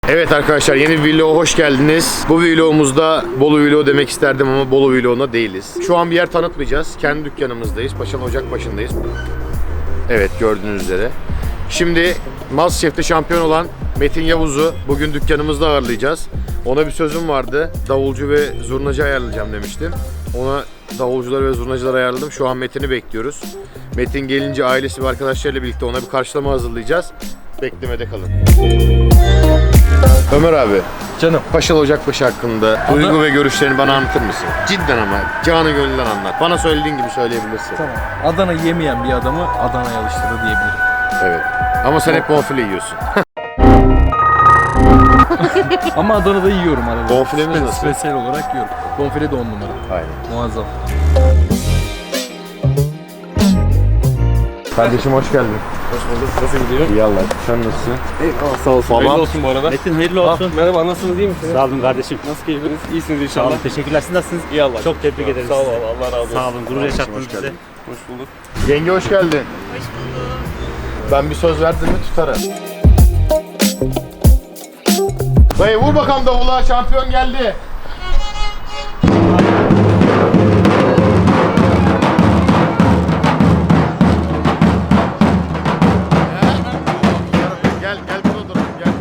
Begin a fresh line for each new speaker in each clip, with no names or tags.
Evet arkadaşlar, yeni bir vloga hoş geldiniz. Bu vlogumuzda Bolu vlogu demek isterdim ama Bolu vlogunda değiliz. Şu an bir yer tanıtmayacağız. Kendi dükkanımızdayız. Paşalı Ocak başındayız. Evet, gördüğünüz üzere. Şimdi MasterChef'te şampiyon olan Metin Yavuz'u bugün dükkanımızda ağırlayacağız. Ona bir sözüm vardı. Davulcu ve zurnacı ayarlayacağım demiştim. Ona davulcuları ve zurnacıları ayarladım. Şu an Metin'i bekliyoruz. Metin gelince ailesi ve arkadaşlarıyla birlikte ona bir karşılama hazırlayacağız. Beklemede kalın. Ömer abi,
Canım.
Paşalı Ocakbaşı hakkında duygu ve görüşlerini bana anlatır mısın? Cidden ama, canı gönülden anlat. Bana söylediğin gibi söyleyebilirsin.
Tamam. Adana yemeyen bir adamı Adana'ya alıştırdı diyebilirim.
Evet. Ama sen hep bonfile yiyorsun.
Ama Adana'da yiyorum arada.
Bonfilemiz nasıl?
Spesiyel olarak yiyorum. Bonfile de 10 numara.
Aynen.
Muazzam.
Kardeşim hoş geldin.
Hoş bulduk. Nasıl gidiyor?
İyi Allah. Sen nasılsın?
Eyvallah, sağ olsun.
Babam.
Hayırlı olsun bu arada.
Metin hayırlı olsun.
Merhaba, nasılsınız, iyi misiniz?
Sağ olun kardeşim.
Nasıl keyfiniz? İyisiniz
Sağ
inşallah.
olun. Teşekkürler. Siz nasılsınız?
İyi Allah.
Çok tebrik ederiz.
Sağ olun.
sizi.
Allah razı olsun.
Sağ olun. Gurur yaşattınız
hoş
bize.
geldin.
Hoş bulduk.
Yenge hoş geldin. Hoş bulduk. Ben bir söz verdim mi tutarım. Dayı vur bakalım davula, şampiyon geldi. Gel burada dur. Gel.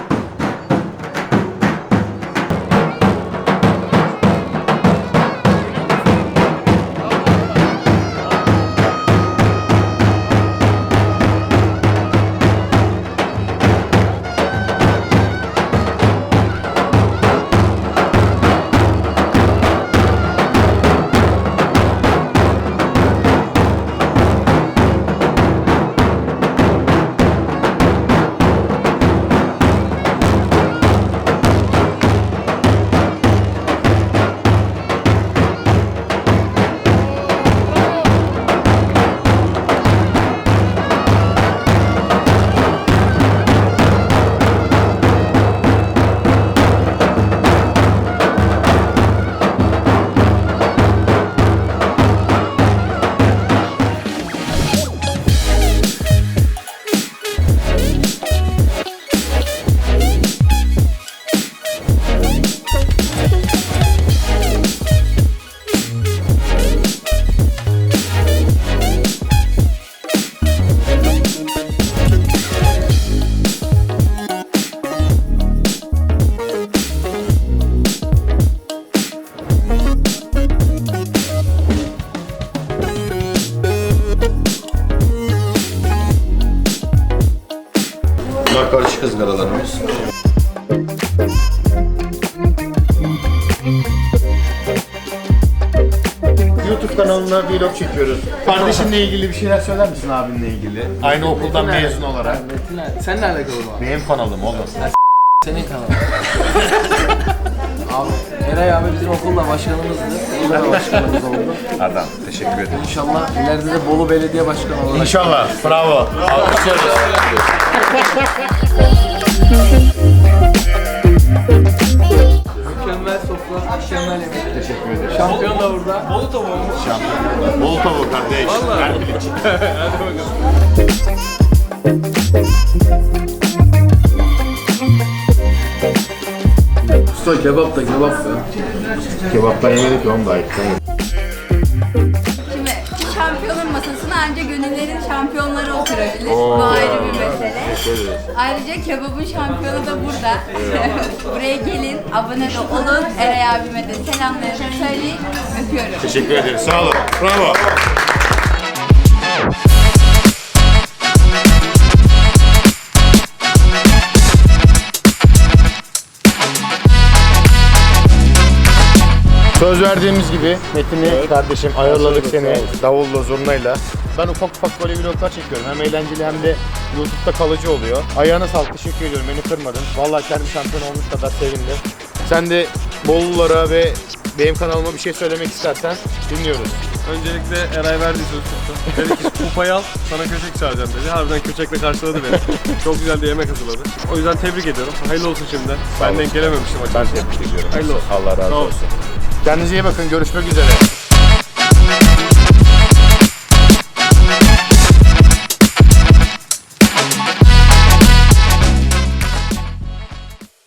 Bunlar karışık ızgaralarımız. YouTube kanalına vlog çekiyoruz. Kardeşinle ilgili bir şeyler söyler misin, abinle ilgili? Aynı okuldan mezun olarak.
Sen ne alakalı var?
Benim kanalım oğlum.
Senin kanalın. Abi, Eray abi bizim okulda başkanımızdı. Burada da başkanımız oldu.
Adam, teşekkür ederim.
İnşallah ileride de Bolu Belediye Başkanı olarak.
İnşallah, bravo.
Mükemmel sofra, mükemmel yemek.
Teşekkür ederim.
Şampiyon da burada. Bolu tavuğu mu?
Bol tavuk kardeş.
Vallahi.
Ver piliç.
Hadi bakalım. Usta kebap da kebap ya.
Kebaptan yemedik ya, onu da ait.
Şimdi şampiyonun masasına ancak gönüllerin şampiyonları oturabilir. Bu ayrı bir mesele. Ayrıca kebabın şampiyonu da burada. Buraya gelin, abone de olun. Eray abime de selamlarımı söyleyin. Öpüyorum.
Teşekkür ederim. Sağ olun. Bravo. Söz verdiğimiz gibi Metin'i kardeşim ayarladık seni davulla zurnayla. Ben ufak böyle vloglar çekiyorum. Hem eğlenceli hem de YouTube'da kalıcı oluyor. Ayağına sağlık, teşekkür ediyorum. Beni kırmadın. Vallahi kendi şampiyon olmuş kadar sevindim. Sen de Bollulara ve benim kanalıma bir şey söylemek istersen dinliyoruz.
Öncelikle Eray verdiği söz tuttu. Dedi ki kupayı al, sana köçek çağıracağım dedi. Harbiden köçekle karşıladı beni. Çok güzel de yemek hazırladı. O yüzden tebrik ediyorum. Hayırlı olsun şimdiden. Ben denk gelememiştim
Ben
açıkçası.
tebrik ediyorum.
Hayırlı olsun.
Allah razı
Sağ ol.
olsun. Kendinize iyi bakın. Görüşmek üzere.